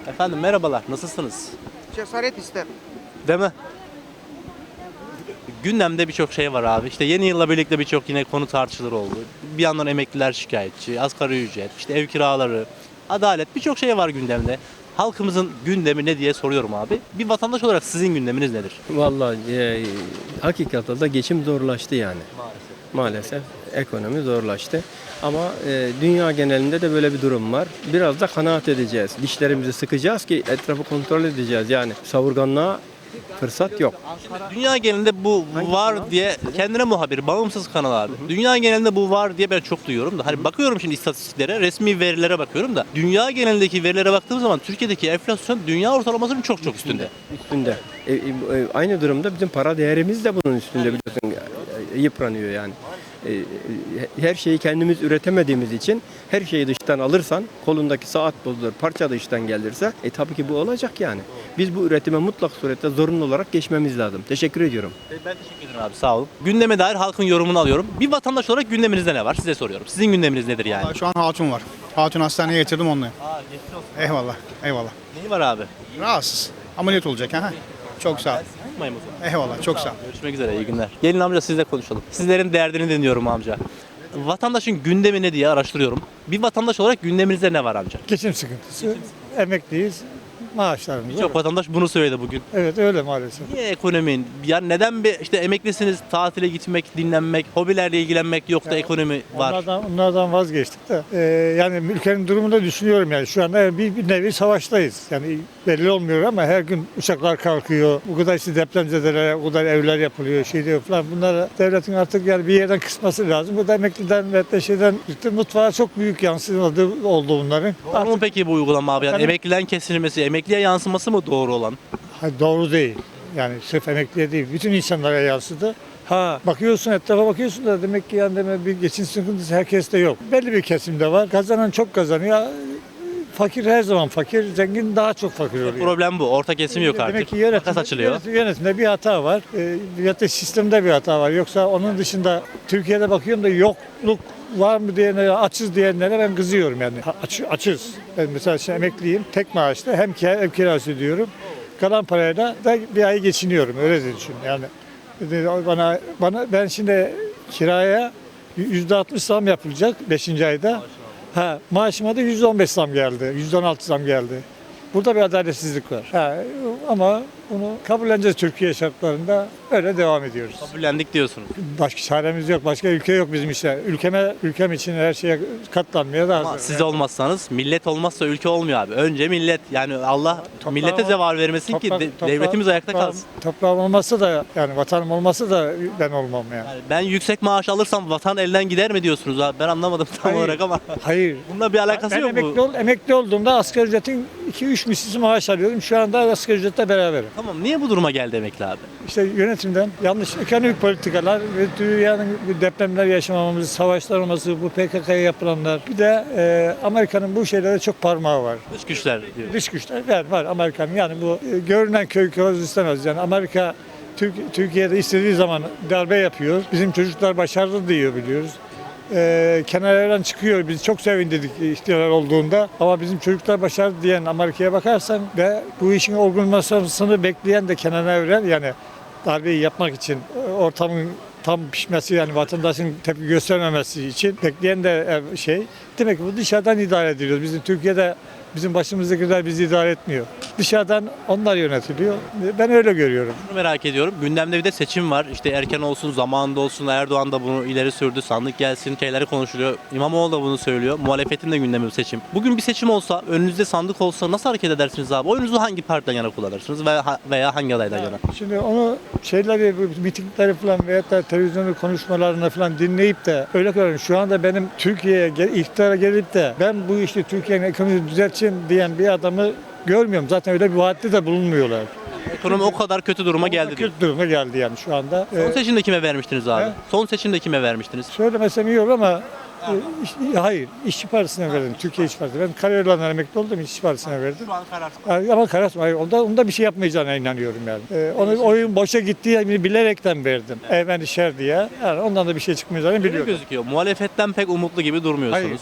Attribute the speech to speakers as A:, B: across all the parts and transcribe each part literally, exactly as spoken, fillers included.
A: Efendim merhabalar, nasılsınız?
B: Cesaret ister.
A: Değil mi? Gündemde birçok şey var abi. İşte yeni yılla birlikte birçok yine konu tartışılır oldu. Bir yandan emekliler şikayetçi, asgari ücret, işte ev kiraları, adalet birçok şey var gündemde. Halkımızın gündemi ne diye soruyorum abi. Bir vatandaş olarak sizin gündeminiz nedir?
C: Vallahi e, hakikaten de geçim zorlaştı yani. Maalesef ekonomi zorlaştı. Ama e, dünya genelinde de böyle bir durum var. Biraz da kanaat edeceğiz. Dişlerimizi sıkacağız ki etrafı kontrol edeceğiz. Yani savurganlığa fırsat yok.
A: Dünya genelinde bu var diye kendine muhabir, bağımsız kanal abi. Dünya genelinde bu var diye ben çok duyuyorum da. Hani bakıyorum şimdi istatistiklere, resmi verilere bakıyorum da. Dünya genelindeki verilere baktığım zaman Türkiye'deki enflasyon dünya ortalamasının çok çok üstünde.
C: Üstünde. E, e, e, aynı durumda bizim para değerimiz de bunun üstünde biliyorsun. E, yıpranıyor yani. E, e, her şeyi kendimiz üretemediğimiz için her şeyi dıştan alırsan kolundaki saat bozulur, parça dıştan gelirse e tabii ki bu olacak yani. Biz bu üretime mutlak surette zorunlu olarak geçmemiz lazım. Teşekkür ediyorum.
A: Ben teşekkür ederim abi, sağ olun. Gündeme dair halkın yorumunu alıyorum. Bir vatandaş olarak gündeminizde ne var? Size soruyorum. Sizin gündeminiz nedir yani?
D: Vallahi şu an hatun var. Hatun hastaneye getirdim onunla.
A: Aa, geçmiş olsun.
D: Eyvallah, eyvallah.
A: Neyi var abi?
D: Rahatsız. Ameliyat olacak ha. Çok sağ ol.
A: Yapmayayım o zaman.
D: Eyvallah, çok sağ ol.
A: Görüşmek üzere, iyi günler. Gelin amca sizle konuşalım. Sizlerin derdini dinliyorum amca. Vatandaşın gündemi ne diye araştırıyorum. Bir vatandaş olarak gündeminizde ne var amca?
E: Geçim sıkıntısı. Emekliyiz. Maaşlarımız.
A: Birçok vatandaş bunu söyledi bugün.
E: Evet öyle maalesef.
A: Niye ekonomin? Yani neden bir işte emeklisiniz, tatile gitmek, dinlenmek, hobilerle ilgilenmek yok da ekonomi var?
E: Onlardan, onlardan vazgeçtik de. Ee, yani ülkenin durumunu da düşünüyorum yani. Şu anda bir, bir nevi savaştayız. Yani belli olmuyor ama her gün uçaklar kalkıyor. Bu kadar işte depremzedelere, bu kadar evler yapılıyor, şey diyor falan. Bunlara devletin artık yani bir yerden kısması lazım. Bu da emekliden ve de şeyden işte mutfağa çok büyük yansımadı oldu bunların.
A: Doğru mu peki bu uygulama abi? Yani
E: Yani-
A: emekliden kesilmesi, emekliye yansıması mı doğru olan?
E: Hayır, doğru değil. Yani sırf emekliye değil. Bütün insanlara yansıdı. Ha bakıyorsun etrafa bakıyorsun da demek ki yani demek bir geçim sıkıntısı herkeste yok. Belli bir kesimde var. Kazanan çok kazanıyor. Fakir her zaman fakir, zengin daha çok fakir oluyor.
A: Problem bu. Orta kesim yok
E: Demek
A: artık.
E: ki yönetimde,
A: Makas açılıyor.
E: yönetim- yönetimde bir hata var. E, ya da sistemde bir hata var. Yoksa onun dışında Türkiye'de bakıyorum da yokluk var mı diyenlere, açız diyenlere ben kızıyorum yani. Ha, Aç, açız. Ben mesela şimdi emekliyim. Tek maaşla hem kira, ev kirası ödüyorum. Kalan parayla da bir ay geçiniyorum. Öyle de düşün. Yani bana bana ben şimdi kiraya yüzde altmış zam yapılacak beşinci ayda. Ha, maaşıma da yüzde on beş zam geldi. yüzde on altı zam geldi. Burada bir adaletsizlik var. Ha, ama bunu kabulleneceğiz Türkiye şartlarında. Öyle devam ediyoruz.
A: Kabullendik diyorsunuz.
E: Başka çaremiz yok. Başka ülke yok bizim işte. Ülkeme, ülkem için her şeye katlanmaya da
A: Ama
E: hazır.
A: siz olmazsanız, millet olmazsa ülke olmuyor abi. Önce millet. Yani Allah
E: Toprağım-
A: millete zeval vermesin ki
E: Toprak-
A: de-
E: toprağım-
A: devletimiz ayakta
E: toprağım-
A: kalsın.
E: Toprağım olmasa da yani vatanım olmasa da ben olmam yani.
A: Yani ben yüksek maaş alırsam vatan elden gider mi diyorsunuz abi? Ben anlamadım tam
E: Hayır.
A: olarak ama.
E: Hayır.
A: Bununla bir alakası
E: Ben
A: yok
E: emekli,
A: mu?
E: ol, emekli olduğumda asgari ücretin iki üç misli maaş alıyorum. Şu anda asgari ücretle beraberim.
A: Tamam, niye bu duruma geldi emekli abi?
E: İşte yönetimden yanlış ekonomik politikalar ve dünyanın bu depremler yaşamamız, savaşlar olması, bu P K K'ya yapılanlar. Bir de e, Amerika'nın bu şeylere çok parmağı var.
A: Dış güçler diyor.
E: Dış güçler var, var Amerika'nın. Yani bu e, görünen köy kılavuz istemez. Yani Amerika Türk, Türkiye'de istediği zaman darbe yapıyor. Bizim çocuklar başarılı diyor biliyoruz. Ee, kenarlardan çıkıyor. Biz çok sevindirdik ihtilal olduğunda. Ama bizim çocuklar başarılı diyen Amerika'ya bakarsan ve bu işin olgunlaşmasını bekleyen de Kenan Evren yani darbeyi yapmak için e, ortamın tam pişmesi yani vatandaşın tepki göstermemesi için bekleyen de e, şey. Demek ki bu dışarıdan idare ediliyor. Bizim Türkiye'de bizim başımızdakiler bizi idare etmiyor. Dışarıdan onlar yönetiliyor. Ben öyle görüyorum.
A: Şunu merak ediyorum. Gündemde bir de seçim var. İşte erken olsun, zamanında olsun. Erdoğan da bunu ileri sürdü. Sandık gelsin, şeyleri konuşuluyor. İmamoğlu da bunu söylüyor. Muhalefetin de gündemi bu seçim. Bugün bir seçim olsa, önünüzde sandık olsa nasıl hareket edersiniz abi? Oyunuzu hangi partiden yana kullanırsınız veya, veya hangi adaydan yana?
E: Şimdi onu şeyleri, bu mitingleri falan veyahut da televizyonda konuşmalarını falan dinleyip de öyle görüyorum. Şu anda benim Türkiye'ye gel- iktidara gelip de ben bu işte Türkiye'nin ekonomisini düzelteceğim diyen bir adamı görmüyorum. Zaten öyle bir vaatte de bulunmuyorlar.
A: Ekonomi o kadar kötü duruma geldi diyor.
E: Kötü duruma geldi yani şu anda.
A: Son
E: Ee,
A: seçimde kime vermiştiniz abi?
E: He?
A: Son seçimde kime vermiştiniz?
E: söylemesem iyi olur ama e, iş- hayır, İşçi Partisi'ne verdim. Türkiye İşçi Partisi. Ben Karayolları'ndan emekli oldum, İşçi Partisi'ne verdim.
A: Şu an karar.
E: Yani ama karar, hayır, onda, onda bir şey yapmayacağına inanıyorum yani. Ee, onun oyun boşa gittiğini bilerekten verdim. Evvel şer diye. Yani ondan da bir şey çıkmayacağını
A: Öyle
E: biliyorum.
A: gözüküyor. Muhalefetten pek umutlu gibi
E: Hayır.
A: durmuyorsunuz.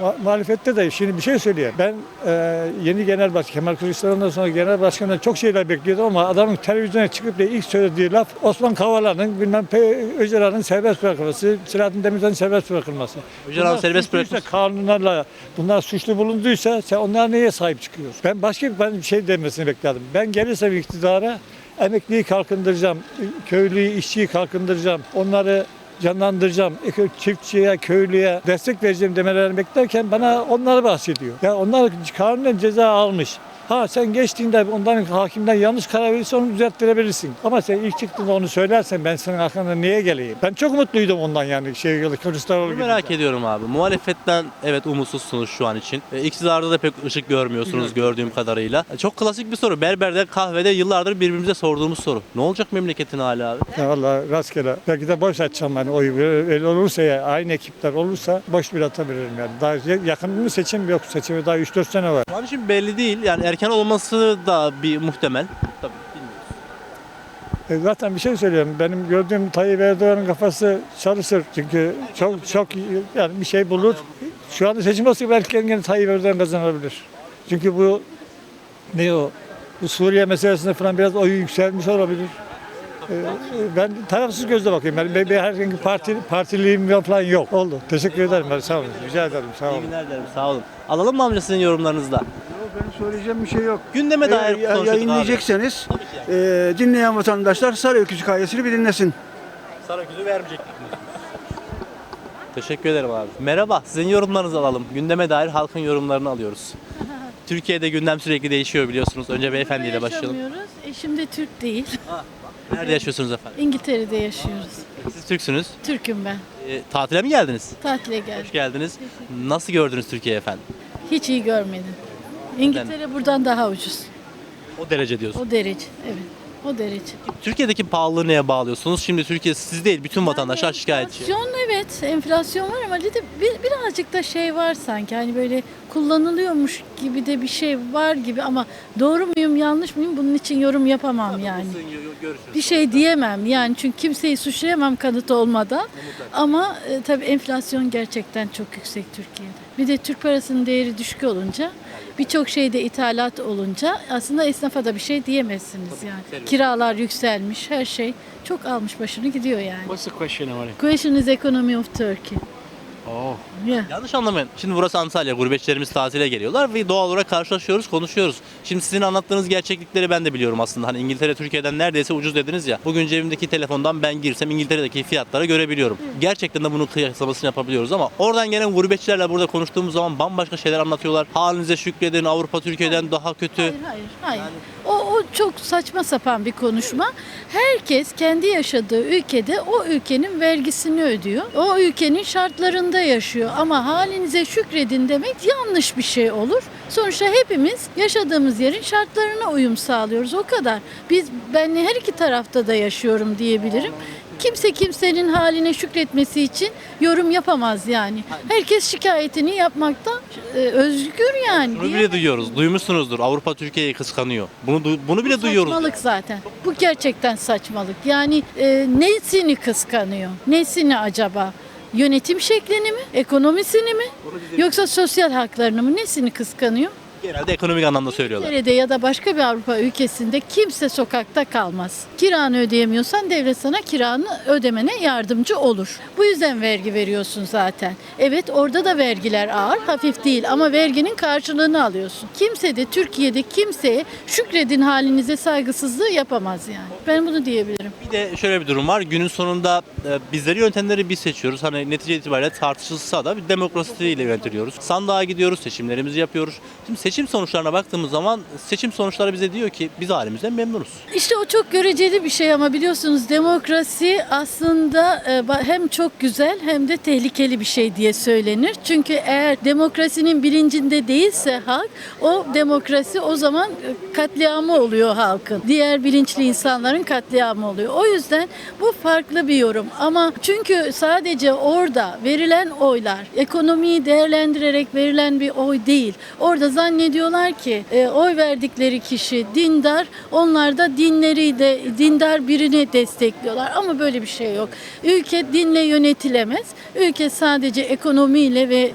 E: mu- muhalefette de şimdi bir şey söyleyeyim. Ben e, yeni genel başkan Kemal Kılıçdaroğlu'ndan sonra genel başkandan çok şeyler bekliyordum ama adamın televizyona çıkıp da ilk söylediği laf Osman Kavala'nın bilmem P- Öcalan'ın serbest bırakılması, Selahattin Demirtaş'ın serbest bırakılması.
A: Öcalan
E: Bunlar
A: serbest
E: suçluysa,
A: bırakılmış.
E: kanunlarla bunlar suçlu bulunduysa sen onlara neye sahip çıkıyorsun? Ben başka bir, ben bir şey demesini bekledim. Ben gelirsem iktidara emekliyi kalkındıracağım, köylüyü, işçiyi kalkındıracağım, onları canlandıracağım, eko- çiftçiye, köylüye destek vereceğim demelerini beklerken bana onları bahsediyor. Ya onlar kanunen ceza almış. Ha sen geçtiğinde ondan hakimden yanlış karar verirse onu düzelttirebilirsin. Ama sen ilk çıktığında onu söylersen ben senin arkanda niye geleyim? Ben çok mutluydum ondan yani şey Kılıçdaroğlu
A: Bunu
E: gibi.
A: merak ediyorum abi. Muhalefetten evet umutsuzsunuz şu an için. E, iktidarda da pek ışık görmüyorsunuz gördüğüm kadarıyla. E, çok klasik bir soru. Berberde, kahvede yıllardır birbirimize sorduğumuz soru. Ne olacak memleketin hali abi?
E: Ya vallahi rastgele. Belki de boş açacağım ben oyu. Öyle olursa ya aynı ekipler olursa boş bir atabilirim yani. Daha yakın bir seçim yok. Seçime daha üç dört sene var.
A: Şu an için belli değil. Yani erken olması da bir muhtemel. Tabii bilmiyoruz.
E: E zaten bir şey söylüyorum. Benim gördüğüm Tayyip Erdoğan'ın kafası çalışır. Çünkü çok çok yani bir şey bulur. Şu anda seçim olsa belki yine Tayyip Erdoğan kazanabilir. Çünkü bu ne o? Bu Suriye meselesinde falan biraz oyu yükselmiş olabilir. E, Ben tarafsız gözle bakıyorum. Ben, ben, ben herhangi bir parti, partililiğim falan yok. Oldu. Teşekkür ederim. Ben, sağ olun. Rica ederim. Sağ
A: İyi
E: olun.
A: günler dilerim. Sağ olun. Alalım mı amca sizin yorumlarınızda?
B: Benim söyleyeceğim bir şey yok.
A: Gündeme dair
B: Eğer
A: konuşuyorduk
B: yayınlayecekseniz
A: Tabii ki yani.
B: e, dinleyen vatandaşlar Sarıöküz hikayesini bir dinlesin.
A: Saraküzü vermeyecektik. Teşekkür ederim abi. Merhaba, sizin yorumlarınızı alalım. Gündeme dair halkın yorumlarını alıyoruz. Türkiye'de gündem sürekli değişiyor biliyorsunuz. Önce beyefendiyle başlayalım.
F: Yaşamıyoruz. Eşim de Türk değil.
A: Nerede yaşıyorsunuz efendim?
F: İngiltere'de yaşıyoruz.
A: Siz Türksünüz.
F: Türk'üm ben.
A: E, tatile mi geldiniz?
F: Tatile geldim.
A: Hoş geldiniz. Nasıl gördünüz Türkiye efendim?
F: Hiç iyi görmedim. İngiltere buradan daha ucuz.
A: O derece diyorsun.
F: O derece. Evet. O derece.
A: Türkiye'deki pahalılığı neye bağlıyorsunuz? Şimdi Türkiye siz değil, bütün vatandaşlar şikayetçi.
F: Enflasyon evet. Enflasyon var ama bir de bir, birazcık da şey var sanki. Hani böyle kullanılıyormuş gibi de bir şey var gibi ama doğru muyum yanlış mıyım bunun için yorum yapamam yani. Bir şey diyemem yani çünkü kimseyi suçlayamam kanıt olmadan. Ama e, tabii enflasyon gerçekten çok yüksek Türkiye'de. Bir de Türk parasının değeri düşük olunca birçok şeyde ithalat olunca aslında esnafa da bir şey diyemezsiniz yani. Kiralar yükselmiş, her şey çok almış başını gidiyor yani.
G: What's the question, Amari?
F: Question is economy of Turkey.
G: Oh.
F: Yeah.
A: Yanlış anlamayın. Şimdi burası Antalya. Gurbetçilerimiz tatile geliyorlar ve doğal olarak karşılaşıyoruz, konuşuyoruz. Şimdi sizin anlattığınız gerçeklikleri ben de biliyorum aslında. Hani İngiltere Türkiye'den neredeyse ucuz dediniz ya. Bugün cebimdeki telefondan ben girsem İngiltere'deki fiyatları görebiliyorum. Gerçekten de bunun kıyaslamasını yapabiliyoruz ama oradan gelen gurbetçilerle burada konuştuğumuz zaman bambaşka şeyler anlatıyorlar. Halinize şükredin, Avrupa Türkiye'den daha kötü.
F: Hayır, hayır, hayır. O, o çok saçma sapan bir konuşma. Herkes kendi yaşadığı ülkede o ülkenin vergisini ödüyor. O ülkenin şartlarında yaşıyor. Ama halinize şükredin demek yanlış bir şey olur. Sonuçta hepimiz yaşadığımız yerin şartlarına uyum sağlıyoruz. O kadar. Biz ben her iki tarafta da yaşıyorum diyebilirim. Kimse kimsenin haline şükretmesi için yorum yapamaz yani. Herkes şikayetini yapmakta e, özgür yani.
A: Bunu bile duyuyoruz. Duymuşsunuzdur. Avrupa Türkiye'yi kıskanıyor. Bunu du- bunu bile duyuyoruz.
F: Saçmalık zaten. Bu gerçekten saçmalık. Yani e, nesini kıskanıyor? Nesini acaba? Yönetim şeklini mi? Ekonomisini mi? Yoksa sosyal haklarını mı? Nesini kıskanıyor?
A: Genelde ekonomik anlamda söylüyorlar.
F: Nerede ya da başka bir Avrupa ülkesinde kimse sokakta kalmaz. Kiranı ödeyemiyorsan devlet sana kiranı ödemene yardımcı olur. Bu yüzden vergi veriyorsun zaten. Evet orada da vergiler ağır, hafif değil ama verginin karşılığını alıyorsun. Kimse de Türkiye'de kimseye şükredin halinize saygısızlığı yapamaz yani. Ben bunu diyebilirim.
A: Bir de şöyle bir durum var. Günün sonunda e, bizleri yöntemleri biz seçiyoruz. Hani netice itibariyle tartışılsa da bir demokrasiyle yönetiliyoruz. Sandığa gidiyoruz, seçimlerimizi yapıyoruz. Şimdi seçim sonuçlarına baktığımız zaman seçim sonuçları bize diyor ki biz halimizden memnunuz.
F: İşte o çok göreceli bir şey ama biliyorsunuz demokrasi aslında e, ba- hem çok güzel hem de tehlikeli bir şey diye söylenir. Çünkü eğer demokrasinin bilincinde değilse halk, o demokrasi o zaman e, katliamı oluyor halkın. Diğer bilinçli insanların katliamı oluyor. O yüzden bu farklı bir yorum. Ama çünkü sadece orada verilen oylar ekonomiyi değerlendirerek verilen bir oy değil. Orada zannediyorlar ki e, oy verdikleri kişi dindar, onlar da dinleri de dindar birini destekliyorlar. Ama böyle bir şey yok. Ülke dinle yönetilemez. Ülke sadece ekonomiyle ve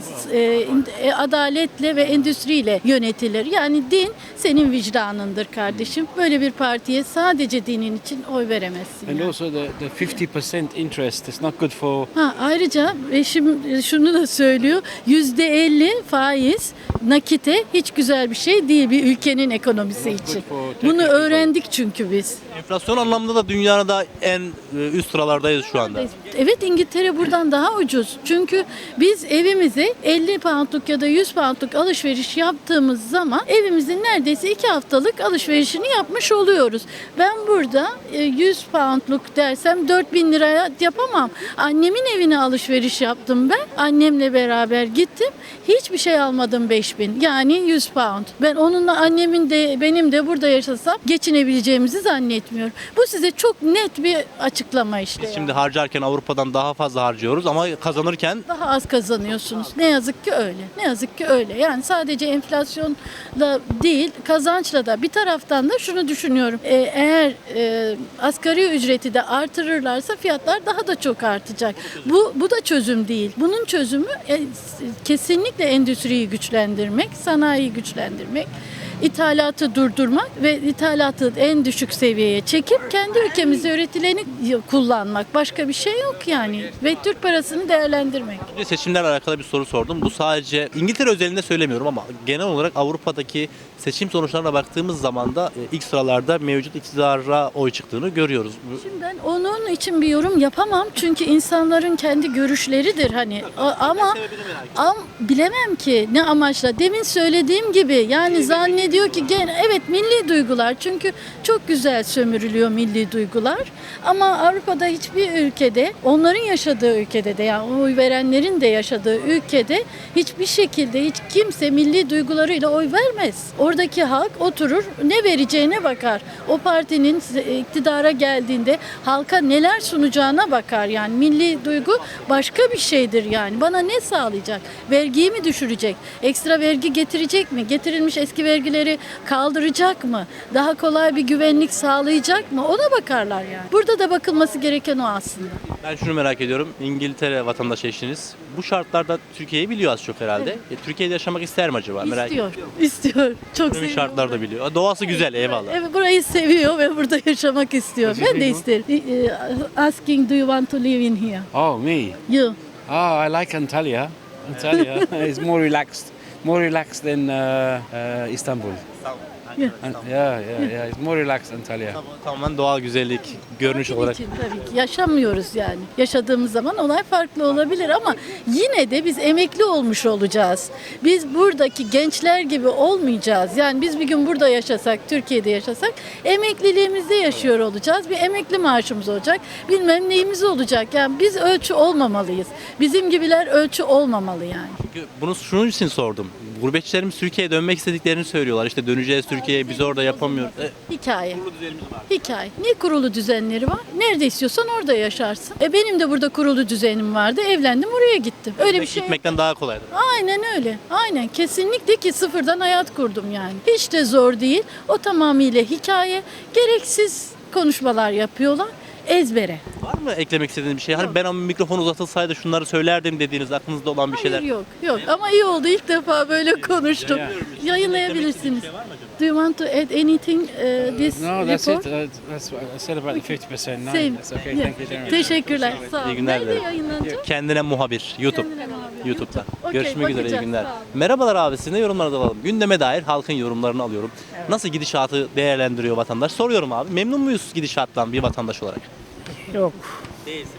F: e, adaletle ve endüstriyle yönetilir. Yani din senin vicdanındır kardeşim. Böyle bir partiye sadece dinin için oy veremezsin.
G: And
F: yani.
G: also the, the fifty percent interest is not good for
F: Ha, ayrıca eşim şunu da söylüyor. yüzde elli faiz nakite hiç güzel bir şey değil bir ülkenin ekonomisi için. Bunu öğrendik çünkü biz.
A: Enflasyon anlamında da dünyada en e, üst sıralardayız şu anda.
F: Evet, İngiltere buradan daha ucuz. Çünkü biz evimize elli poundluk ya da yüz poundluk alışveriş yaptığımız zaman evimizin neredeyse iki haftalık alışverişini yapmış oluyoruz. Ben burada e, yüz poundluk dersem dört bin liraya yapamam. Annemin evine alışveriş yaptım ben. Annemle beraber gittim. Hiçbir şey almadım beş bin. Yani yüz pound. Ben onunla annemin de benim de burada yaşasam geçinebileceğimizi zannetmiyorum. Bu size çok net bir açıklama işte.
A: Biz
F: yani.
A: şimdi harcarken Avrupa'dan daha fazla harcıyoruz ama kazanırken
F: Daha az kazanıyorsunuz. Ne yazık ki öyle. Ne yazık ki öyle. Yani sadece enflasyonla değil, kazançla da bir taraftan da şunu düşünüyorum. Ee, eğer e, asgari ücreti de artırırlarsa fiyatlar daha da çok artacak. Bu bu da çözüm değil. Bunun çözümü e, kesinlikle endüstriyi güçlendirmek, sanayiyi güçlendirmek, ithalatı durdurmak ve ithalatı en düşük seviyeye çekip kendi ülkemizde üretileni kullanmak. Başka bir şey yok yani. Ve Türk parasını değerlendirmek.
A: bir de seçimlerle alakalı bir soru sordum. Bu sadece İngiltere özelinde söylemiyorum ama genel olarak Avrupa'daki seçim sonuçlarına baktığımız zaman da e, ilk sıralarda mevcut iktidara oy çıktığını görüyoruz. Bu-
F: Şimdi ben onun için bir yorum yapamam çünkü insanların kendi görüşleridir hani A- ama am, bilemem ki ne amaçla. Demin söylediğim gibi yani zannediyor ki gene evet milli duygular çünkü çok güzel sömürülüyor milli duygular ama Avrupa'da hiçbir ülkede onların yaşadığı ülkede de yani oy verenlerin de yaşadığı ülkede hiçbir şekilde hiç kimse milli duygularıyla oy vermez. Oradaki halk oturur ne vereceğine bakar. O partinin iktidara geldiğinde halka neler sunacağına bakar. Yani milli duygu başka bir şeydir yani. Bana ne sağlayacak? Vergiyi mi düşürecek? Ekstra vergi getirecek mi? Getirilmiş eski vergileri kaldıracak mı? Daha kolay bir güvenlik sağlayacak mı? Ona bakarlar yani. Burada da bakılması gereken o aslında.
A: Ben şunu merak ediyorum. İngiltere vatandaşı eşiniz. Bu şartlarda Türkiye'yi biliyor az çok herhalde. E, Türkiye'de yaşamak ister mi acaba? Merak
F: İstiyor. İstiyor. Çok
A: Ekonomik
F: seviyor.
A: şartlar da biliyor. Doğası güzel eyvallah.
F: Evet, burayı seviyor ve burada yaşamak istiyor. Ben de isterim. Eh, Asking, do you want to live in here?
G: oh me
F: You.
G: oh I like Antalya. Antalya is more relaxed, more relaxed than uh, uh, Istanbul.
F: Yeah.
G: And, yeah, yeah, yeah. It's more relaxed Antalya.
A: Tamamen doğal güzellik, görünüş
F: Bizim
A: olarak.
F: için tabii ki yaşamıyoruz yani. Yaşadığımız zaman olay farklı olabilir ama yine de biz emekli olmuş olacağız. Biz buradaki gençler gibi olmayacağız. Yani biz bir gün burada yaşasak, Türkiye'de yaşasak emekliliğimizde yaşıyor olacağız. Bir emekli maaşımız olacak. Bilmem neyimiz olacak. Yani biz ölçü olmamalıyız. Bizim gibiler ölçü olmamalı yani.
A: Çünkü bunu şunun için sordum. Gurbetçilerimiz Türkiye'ye dönmek istediklerini söylüyorlar. İşte döneceğiz Türkiye'ye, biz orada yapamıyoruz. E,
F: Hikaye. Hikaye. Ne kurulu düzenleri var? Nerede istiyorsan orada yaşarsın. E benim de burada kurulu düzenim vardı. Evlendim oraya gittim. Öyle bir şey.
A: gitmekten daha kolaydır.
F: Aynen öyle. Aynen. Kesinlikle ki sıfırdan hayat kurdum yani. Hiç de zor değil. O tamamıyla hikaye. Gereksiz konuşmalar yapıyorlar. Ezbere.
A: Var mı eklemek istediğiniz bir şey? Hani ben o mikrofon uzatılsaydı şunları söylerdim dediğiniz aklınızda olan bir şeyler.
F: Hayır yok. Yok. Ama iyi oldu. İlk defa böyle konuştum. Yayınlayabilirsiniz. Do you want to add anything uh, this
G: No, that's
F: report?
G: it. Uh, that's what I said about the fifty percent. No,
F: Same.
G: that's okay.
F: Yeah.
G: Thank you very much.
F: Teşekkürler. Sağ olun.
A: İyi günler
F: Nerede
A: dilerim.
F: yayınlanacak?
A: Kendine muhabir. YouTube.
F: Kendine muhabir.
A: YouTube'da.
F: Okey,
A: Görüşmek üzere. iyi
F: bakacağız.
A: günler.
F: Sağ olun.
A: Merhabalar abi. Sizin de yorumlarınızı alalım. Gündeme dair halkın yorumlarını alıyorum. Nasıl gidişatı değerlendiriyor vatandaş? Soruyorum abi. Memnun muyuz gidişattan bir vatandaş olarak?
H: Yok.
A: Değilsiniz.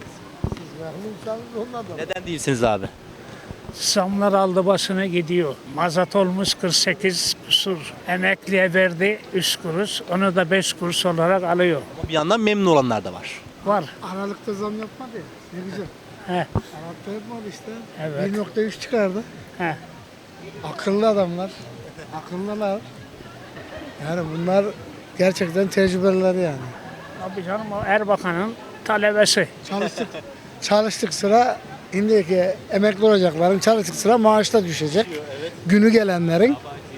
A: Neden değilsiniz abi?
H: Zamlar aldı başına gidiyor. Mazot olmuş kırk sekiz kusur. Emekliye verdi üç kuruş. Onu da beş kuruş olarak alıyor.
A: Bir yandan memnun olanlar da var.
H: Var.
I: Aralıkta zam yapmadı ya. Ne güzel.
H: He.
I: Aralıkta yapmadı işte.
H: Evet.
I: bir nokta üç çıkardı.
H: He.
I: Akıllı adamlar. Akıllılar. Yani bunlar gerçekten tecrübeliler yani.
H: Tabii canım o Erbakan'ın talebesi.
I: Çalıştık. Çalıştık sıra şimdiki emekli olacakların çalıştık sıra maaşta düşecek. Günü gelenlerin.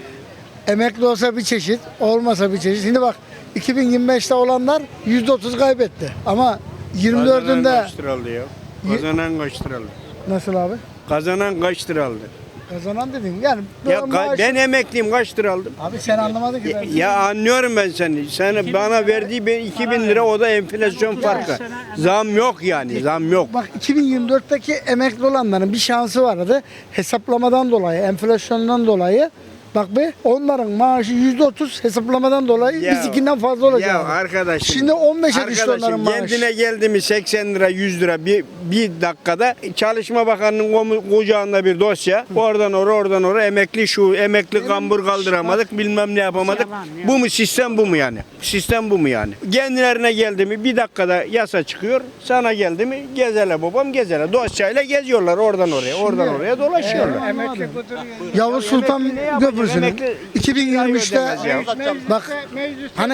I: Emekli olsa bir çeşit, olmasa bir çeşit. Şimdi bak iki bin yirmi beşte olanlar yüzde otuz kaybetti. Ama yirmi dördünde
J: kaç lira aldı ya? Kazanan kaç lira aldı?
I: nasıl abi?
J: Kazanan kaç lira aldı?
I: Kazanan dedim. Yani
J: Ya
I: böyle
J: ka-
I: maaş-
J: ben emekliyim, kaç lira aldım?
I: Abi sen anlamadın ki.
J: Ya,
I: ben.
J: ya anlıyorum ben seni. Sen bana verdiği ben iki bin lira, o da enflasyon farkı. Zam yok yani, zam yok.
I: Bak iki bin yirmi dörtteki emekli olanların bir şansı vardı. Hesaplamadan dolayı, enflasyondan dolayı. Bak be onların maaşı yüzde otuz hesaplamadan dolayı
J: Ya-
I: bizimkinden fazla olacak.
J: Ya arkadaşım.
I: Şimdi on beşe düştü onların
J: Arkadaşım
I: maaşı.
J: kendine geldi mi seksen lira, yüz lira bir, bir dakikada Çalışma Bakanı'nın komu- kucağında bir dosya. Oradan oraya, oradan oraya emekli şu, emekli kambur kaldıramadık, bilmem ne yapamadık.
H: Yalan, yalan.
J: Bu mu sistem, bu mu yani? Sistem bu mu yani? Kendilerine geldi mi bir dakikada yasa çıkıyor. Sana geldi mi gezele babam gezele. Dosyayla geziyorlar oradan oraya, oradan oraya dolaşıyorlar.
H: Emekli
I: Yavuz Sultan
J: Emekli ne yapacak?
I: Köprüsü'nün
J: Emekli
I: iki bin yirmi üçte
J: ödemez ya.
I: bak hani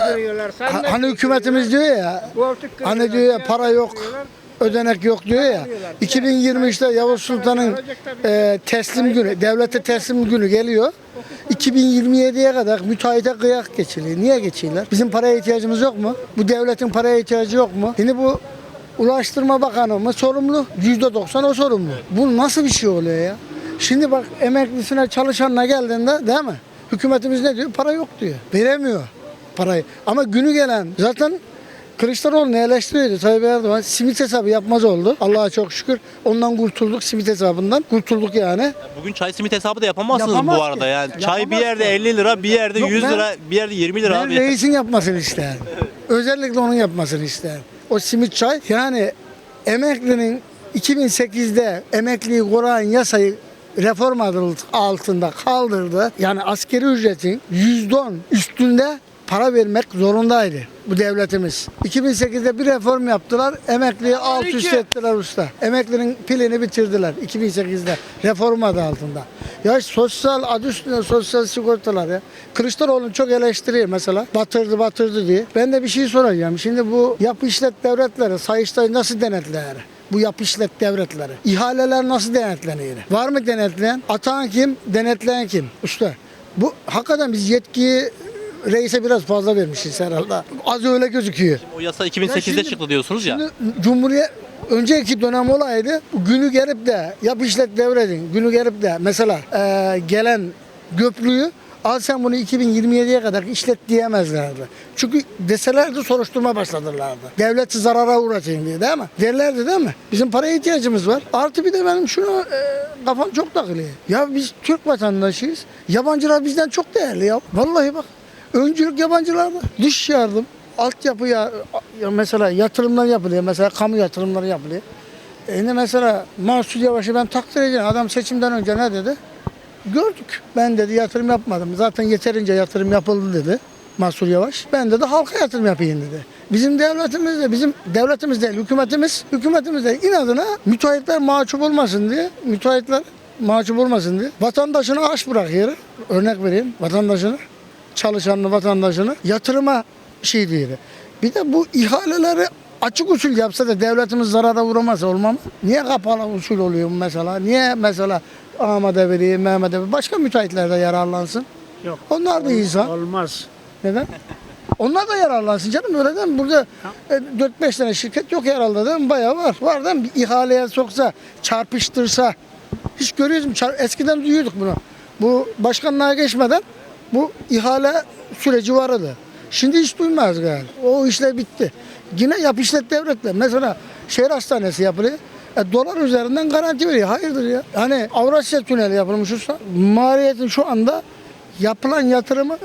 I: ha- hani hükümetimiz diyor ya hani diyor ya para yok ödenek yok diyor ya iki bin yirmi üçte Yavuz Sultan'ın e, teslim günü devlete teslim günü geliyor. iki bin yirmi yediye kadar müteahhite kıyak geçiliyor. Niye geçiyorlar? Bizim paraya ihtiyacımız yok mu? Bu devletin paraya ihtiyacı yok mu? Şimdi bu Ulaştırma Bakanı mı sorumlu? yüzde doksan o sorumlu. Bu nasıl bir şey oluyor ya? Şimdi bak emeklisine çalışanına geldiğinde değil mi? Hükümetimiz ne diyor? Para yok diyor. Veremiyor parayı. Ama günü gelen zaten Kılıçdaroğlu'nu eleştiriyordu Tayyip Erdoğan. Simit hesabı yapmaz oldu. Allah'a çok şükür. Ondan kurtulduk simit hesabından. Kurtulduk yani.
A: Bugün çay simit hesabı da yapamazsınız
I: Yapamaz
A: bu
I: ki.
A: arada yani. Çay bir
I: Yapamaz
A: yerde
I: ki.
A: elli lira, bir yerde
I: Yok,
A: yüz
I: ben-
A: lira, bir yerde yirmi lira
I: Ben
A: abi.
I: reisin yapmasını isterim. Özellikle onun yapmasını isterim. O simit çay yani emeklinin iki bin sekizde emekliyi koruyan yasayı reform adı altında kaldırdı. Yani askeri ücretin yüzde on üstünde para vermek zorundaydı bu devletimiz. iki bin sekizde bir reform yaptılar. Emekliyi alt üst ettiler usta. Emeklinin pilini bitirdiler iki bin sekizde reform adı altında. Ya sosyal adı üstünde sosyal sigortalar ya. Kılıçdaroğlu'nu çok eleştiriyor mesela. Batırdı batırdı diye. Ben de bir şey soracağım. Şimdi bu yapı işlet devletleri Sayıştay nasıl denetler? Bu yapı işlet devletleri. İhaleler nasıl denetleniyor? Var mı denetleyen? Atan kim? Denetleyen kim? Usta. Bu hakikaten biz yetkiyi reise biraz fazla vermişiz herhalde. Az öyle gözüküyor.
A: O yasa iki bin sekizde
I: Ya şimdi-
A: çıktı diyorsunuz ya.
I: Şimdi Cumhuriyet önceki dönem olaydı. Günü gelip de yap işlet devredin. Günü gelip de mesela e, gelen göplüğü al sen bunu iki bin yirmi yediye kadar işlet diyemezlerdi. Çünkü deselerdi soruşturma başlatırlardı. Devleti zarara uğratayım diye değil mi? Derlerdi değil mi? Bizim paraya ihtiyacımız var. Artı bir de benim şunu e, kafam çok takılıyor. Ya biz Türk vatandaşıyız. Yabancılar bizden çok değerli ya. Vallahi bak. Öncülük yabancılarda. Dış yardım, altyapı ya, ya mesela yatırımlar yapılıyor. Mesela kamu yatırımları yapılıyor. E ne mesela Mansur Yavaş'ı ben takdir ediyorum. Adam seçimden önce ne dedi? Gördük. Ben dedi yatırım yapmadım. Zaten yeterince yatırım yapıldı dedi Mansur Yavaş. Ben dedi halka yatırım yapayım dedi. Bizim devletimiz de bizim devletimiz değil hükümetimiz. Hükümetimiz de inadına müteahhitler mahcup olmasın diye müteahhitler mahcup olmasın diye vatandaşını aç bırakıyor. Örnek vereyim vatandaşını. Çalışanını, vatandaşını yatırıma şey değil. Bir de bu ihaleleri açık usul yapsa da devletimiz zarara uğramasa olmaz mı? Niye kapalı usul oluyor mesela? Niye mesela Ahmet Eveli, Mehmet Eveli başka müteahhitler de yararlansın?
H: Yok.
I: Onlar da insan.
H: Olmaz.
I: Neden? Onlar da yararlansın canım öyle değil mi? Burada e, dört beş tane şirket yok herhalde değil mi? Bayağı var. Var değil mi? Bir ihaleye soksa, çarpıştırsa. Hiç görüyoruz mu? Çar- Eskiden duyuyorduk bunu. Bu başkanlığa geçmeden bu ihale süreci vardı. Şimdi hiç duymaz galiba. O işler bitti. Yine yap işlet devletler. Mesela şehir hastanesi yapılıyor. E, dolar üzerinden garanti veriyor. Hayırdır ya? Hani Avrasya Tüneli yapılmış olsa maliyetin şu anda yapılan yatırımı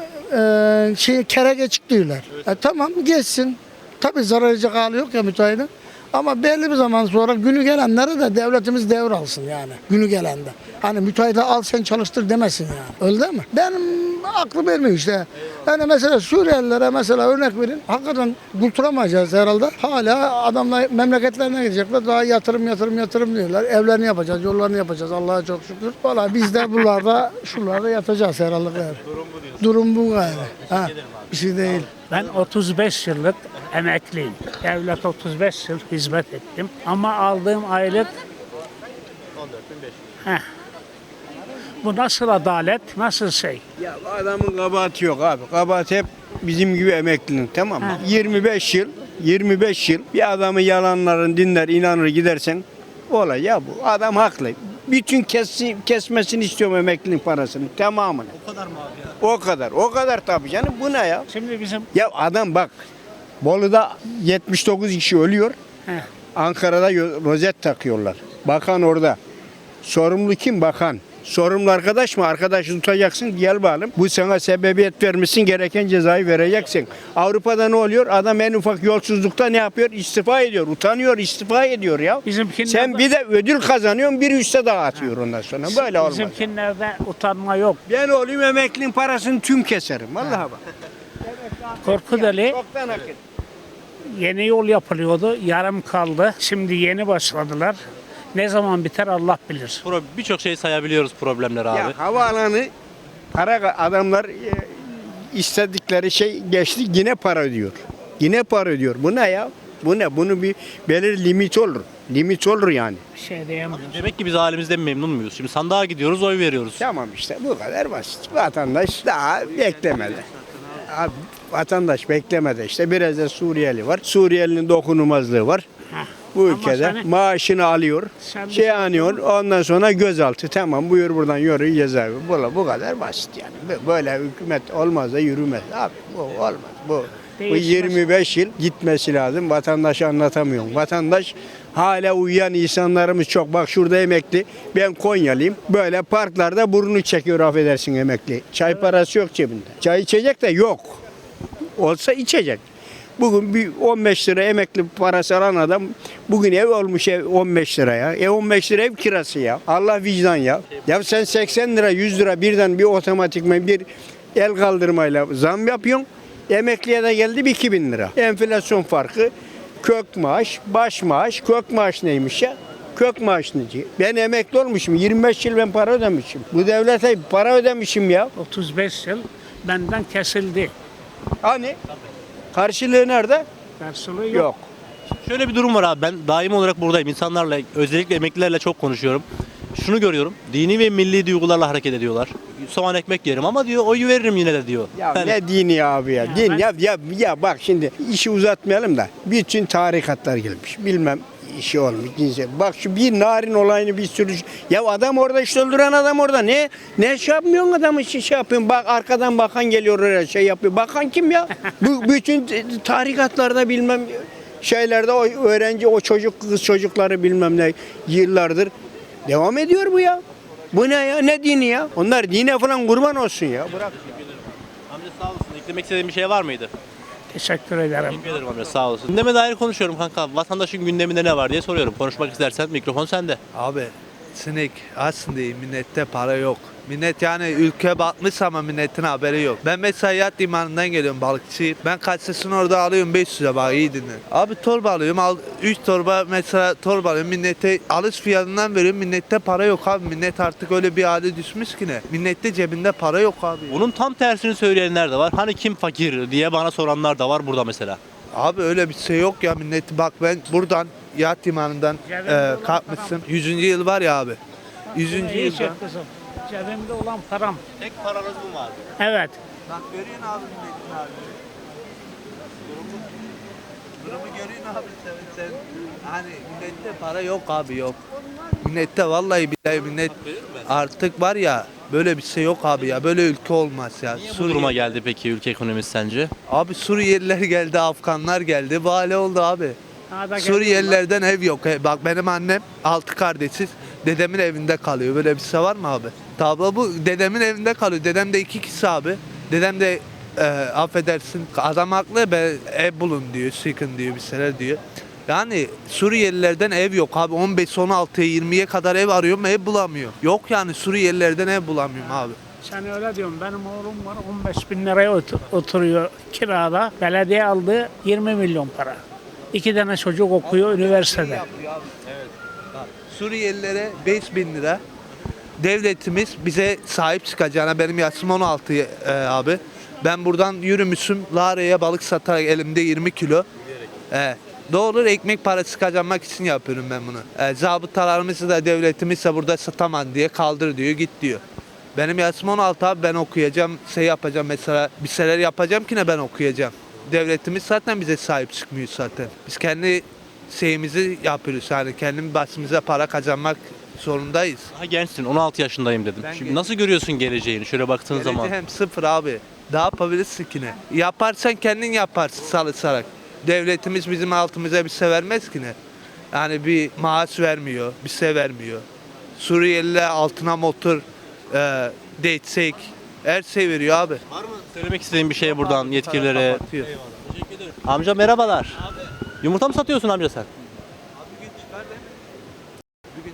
I: e, şey kerege çıktıyorlar. E, tamam geçsin. Tabii zarar edecek hali yok ya müteahhidin. Ama belli bir zaman sonra günü gelenleri de devletimiz devralsın yani. Günü gelende. Hani müteahhide al sen çalıştır demesin yani. Öyle değil mi? Benim aklı vermiyor işte. Yani mesela Suriyelilere mesela örnek verin. Hakikaten kurtulamayacağız herhalde. Hala adamlar memleketlerine gidecekler. Daha yatırım yatırım yatırım diyorlar. Evlerini yapacağız, yollarını yapacağız. Allah'a çok şükür. Valla biz de buralarda şuralarda yatacağız herhalde. Yani. Durum bu diyorsun. Durum bu yani. Ha, bir şey değil.
H: Ben otuz beş yıllık emekliyim. Devlet otuz beş yıl hizmet ettim. Ama aldığım aylık Heh. Bu nasıl adalet, nasıl şey?
J: Ya bu adamın kabahati yok abi. Kabahat hep bizim gibi emeklinin, tamam mı?
H: Ha.
J: yirmi beş yıl, yirmi beş yıl bir adamı yalanların dinler, inanır gidersen olay ya bu. Adam haklı. Bütün kesi, kesmesini istiyorum emeklinin parasını tamamını.
A: O kadar mı abi ya?
J: O kadar. O kadar tabii canım. Bu ne ya?
H: Şimdi bizim
J: Ya adam bak. Bolu'da yetmiş dokuz kişi ölüyor.
H: Heh.
J: Ankara'da yo- rozet takıyorlar. Bakan orada. Sorumlu kim? Bakan. Sorumlu arkadaş mı? Arkadaşı tutacaksın. Gel bakalım. Bu sana sebebiyet vermişsin. Gereken cezayı vereceksin. Avrupa'da ne oluyor? Adam en ufak yolsuzlukta ne yapıyor? İstifa ediyor. Utanıyor. istifa ediyor ya.
H: Bizimkiler
J: Sen
H: de-
J: bir de ödül kazanıyorsun. Bir üste dağıtıyor ondan sonra. Böyle olmaz.
H: bizimkinlerde utanma yok.
J: Ben olayım emeklinin parasını tüm keserim. Vallahi bak.
H: Korkuteli
J: Çoktan hak ettim.
H: yeni yol yapılıyordu. Yarım kaldı. Şimdi yeni başladılar. Ne zaman biter Allah bilir.
A: Pro- Birçok şey sayabiliyoruz problemler abi.
J: Ya havaalanı para adamlar e, istedikleri şey geçti yine para ödüyor. Yine para ödüyor. Bu ne ya? Bu ne? Bunun bir belirli limit olur. Limit olur yani.
H: Bir şey diyemiyorum.
A: Demek ki biz halimizden memnun muyuz? Şimdi sandığa gidiyoruz, oy veriyoruz.
J: Tamam işte bu kadar basit. Vatandaş daha beklemedi. Abi, vatandaş beklemedi işte. Biraz da Suriyeli var. Suriyelinin dokunulmazlığı var.
H: Heh.
J: Bu
H: Ama
J: ülkede
H: seni-
J: maaşını alıyor,
H: Sen bir
J: şey
H: şey
J: anıyor, ondan sonra gözaltı. Tamam buyur buradan yürü cezaevi. Bu, bu kadar basit yani. Böyle hükümet olmaz da yürümez. Abi bu olmaz. Bu, bu
H: Değişmez.
J: yirmi beş yıl gitmesi lazım. Vatandaşa anlatamıyorum. Vatandaş hala uyuyan insanlarımız çok. Bak şurada emekli. Ben Konyalıyım. Böyle parklarda burnunu çekiyor affedersin emekli. Çay parası yok cebinde. Çay içecek de yok. Olsa içecek. Bugün bir on beş lira emekli parası alan adam bugün ev olmuş ev on beş liraya. E on beş lira ev kirası ya. Allah vicdan ya. Ya sen seksen lira yüz lira birden bir otomatikman bir el kaldırmayla zam yapıyorsun. Emekliye de geldi bir iki bin lira. Enflasyon farkı kök maaş, baş maaş, kök maaş neymiş ya? Kök maaş neci? Ben emekli olmuşum. yirmi beş yıl ben para ödemişim. Bu devlete para ödemişim ya.
H: otuz beş yıl benden kesildi.
J: Hani? Karşılığı nerede?
H: Karşılığı yok.
J: Yok.
A: Şöyle bir durum var abi. Ben daim olarak buradayım. İnsanlarla, özellikle emeklilerle çok konuşuyorum. Şunu görüyorum. Dini ve milli duygularla hareket ediyorlar. Soğan ekmek yerim ama diyor oyu veririm yine de diyor.
J: Ya
A: Yani
J: ne dini abi ya?
H: Ya
J: Din
H: ben-
J: ya, ya ya bak şimdi işi uzatmayalım da bütün tarikatlar gelmiş. Bilmem işi olmuş cinsel. Bak şu bir narin olayını bir sürü ya adam orada işte öldüren adam orada ne ne şey yapmıyorsun adamı şey, şey yapıyorsun. Bak arkadan bakan geliyor oraya şey yapıyor. Bakan kim ya? Bu bütün tarikatlarda bilmem şeylerde o öğrenci o çocuk kız çocukları bilmem ne yıllardır devam ediyor bu ya. Bu ne ya? Ne dini ya? Onlar dine falan kurban olsun ya. Bırak.
A: amca sağ olasın. Eklemek istediğin bir şey var mıydı?
H: Teşekkür ederim.
A: Teşekkür ederim amca sağ olasın. Gündeme dair konuşuyorum kanka. Vatandaşın gündeminde ne var diye soruyorum. Konuşmak istersen mikrofon sende.
K: Abi sinek aslında millette para yok. Millet yani ülke batmış ama milletin haberi yok. Ben mesela yat limanından geliyorum balıkçıyım. Ben kaçsasını orada alıyorum beş yüze bak iyi dinle. Abi torba alıyorum al üç torba mesela torba alıyorum millete alış fiyatından veriyorum millette para yok abi. Millet artık öyle bir hale düşmüş ki ne. Millette cebinde para yok abi.
A: Bunun tam tersini söyleyenler de var. Hani kim fakir diye bana soranlar da var burada mesela.
K: Abi öyle bir şey yok ya millet bak ben buradan yat limanından e, kalkmışsın. yüzüncü yıl var ya abi. yüzüncü
H: İyi
K: yılda.
H: çek kızım. Cebimde olan param.
A: Tek paranız mı var?
H: Evet.
K: Bak görüyorsun abi milletin halini. Durumu, durumu görüyorsun abi sen, sen. Hani millette para yok abi yok. Millette vallahi billahi millet artık var ya böyle bir şey yok abi ya. Böyle ülke olmaz ya.
A: Niye bu duruma geldi peki ülke ekonomisi sence?
K: Abi Suriyeliler geldi, Afganlar geldi. Bu hale oldu abi.
H: Daha da
K: Suriyelilerden ev yok. He, Bak benim annem altı kardeşiz. Dedemin evinde kalıyor. Böyle bir şey var mı abi? Tablo bu. Dedemin evinde kalıyor. Dedem de iki kişi abi. Dedem de e, affedersin adam haklı be ev bulun diyor. Sıkın diyor bir şeyler diyor. Yani Suriyelilerden ev yok abi. on beş on altıya yirmiye kadar ev arıyorum ev bulamıyor. Yok yani Suriyelilerden ev bulamıyorum abi.
H: Sen öyle diyorsun. Benim oğlum var on beş bin liraya otur- oturuyor kirada. Belediye aldı yirmi milyon para. İki tane çocuk okuyor üniversitede.
K: Suriyelilere beş bin lira devletimiz bize sahip çıkacağına, benim yaşım on altı e, abi. Ben buradan yürümüşüm Lara'ya balık satarak elimde yirmi kilo. E, doğru ekmek parası kazanmak için yapıyorum ben bunu. E, zabıtalarımızı da devletimiz de burada satamam diye kaldır diyor, git diyor. Benim yaşım on altı abi, ben okuyacağım, şey yapacağım mesela, bir şeyler yapacağım ki ne ben okuyacağım. Devletimiz zaten bize sahip çıkmıyor zaten. Biz kendi şeyimizi yapıyoruz yani, kendi başımıza para kazanmak zorundayız.
A: Daha gençsin, on altı yaşındayım dedim.
K: Ben
A: Şimdi
K: genç-
A: nasıl görüyorsun geleceğini şöyle baktığın zaman?
K: Hem sıfır abi. Ne yapabilirsin ki ne? Yaparsan kendin yaparsın çalışarak. Devletimiz bizim altımıza bir şey vermez ki ne? Yani bir maaş vermiyor, bir şey vermiyor. Suriyeliler altına motor, e, destek, her şey veriyor abi.
A: Var mı söylemek istediğin bir şey buradan yetkililere?
K: Kapatıyor.
A: Amca merhabalar. Yumurta mı satıyorsun amca sen?